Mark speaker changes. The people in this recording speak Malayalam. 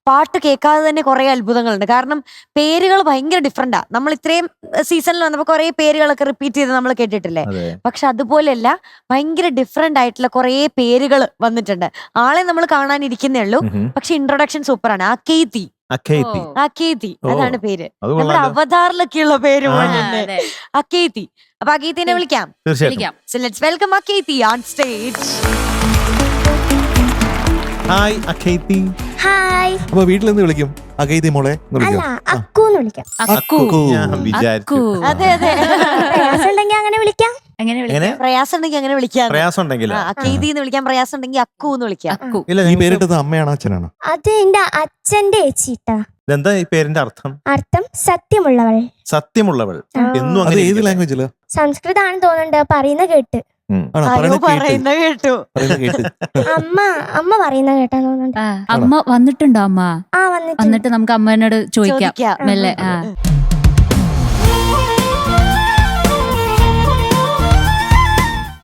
Speaker 1: പാട്ട് കേൾക്കാതെ തന്നെ കുറെ അത്ഭുതങ്ങളുണ്ട്. കാരണം പേരുകൾ ഭയങ്കര ഡിഫറെന്റാ. നമ്മൾ ഇത്രയും സീസണിൽ വന്നപ്പോൾ കുറെ പേരുകളൊക്കെ റിപ്പീറ്റ് ചെയ്ത് നമ്മൾ കേട്ടിട്ടില്ലേ? പക്ഷെ അതുപോലെയല്ല, ഭയങ്കര ഡിഫറെന്റ് ആയിട്ടുള്ള കുറെ പേരുകൾ വന്നിട്ടുണ്ട്. ആളെ നമ്മൾ കാണാനിരിക്കുന്നേ ഉള്ളൂ, പക്ഷെ ഇൻട്രൊഡക്ഷൻ സൂപ്പറാണ്. അക്കേത്തി അതാണ് പേര്. നമ്മുടെ അവതാറിലൊക്കെയുള്ള പേര് പോലുണ്ട് അക്കേത്തി. അപ്പൊ അക്കേത്തിനെ വിളിക്കാം. So let's welcome Akethi on stage.
Speaker 2: Hi Akethi.
Speaker 3: Hi.
Speaker 2: അപ്പൊ വീട്ടിൽ നിന്ന് വിളിക്കും അഖേത്തി മോളെ
Speaker 3: അല്ല, അക്കൂന്ന് വിളിക്കാം.
Speaker 2: ഞാൻ വിചാരിച്ചു.
Speaker 1: അതെ അതെ,
Speaker 3: പ്രയാസം ഉണ്ടെങ്കിൽ അങ്ങനെ വിളിക്കാം.
Speaker 1: പ്രയാസം ഉണ്ടെങ്കിൽ അങ്ങനെ വിളിക്കാം.
Speaker 2: പ്രയാസം ഉണ്ടെങ്കിൽ
Speaker 1: അക്കേതി എന്ന് വിളിക്കാം, പ്രയാസം ഉണ്ടെങ്കിൽ അക്കു എന്ന് വിളിക്കാം.
Speaker 2: ഈ പേരിട്ടത് അമ്മയാണോ അച്ഛനാണോ?
Speaker 3: അത് എന്റെ അച്ഛന്റെ ചേച്ചിട്ടാ.
Speaker 2: ഇതെന്താ ഈ പേരിന്റെ അർത്ഥം?
Speaker 3: അർത്ഥം സത്യമുള്ളവൾ.
Speaker 2: സത്യമുള്ളവൾ. എന്നും അങ്ങനെ ഏത് ലാംഗ്വേജില്?
Speaker 3: സംസ്കൃതാണെന്ന് തോന്നുന്നുണ്ട്, പറയുന്ന കേട്ട്.
Speaker 1: പറയുന്ന കേട്ടു.
Speaker 3: അമ്മ പറയുന്ന കേട്ടാ തോന്നുന്നുണ്ട്.
Speaker 4: അമ്മ വന്നിട്ടുണ്ടോ? അമ്മ
Speaker 3: വന്നിട്ട്
Speaker 4: വന്നിട്ട് നമുക്ക് അമ്മേനോട് ചോദിക്കാം മെല്ലെ.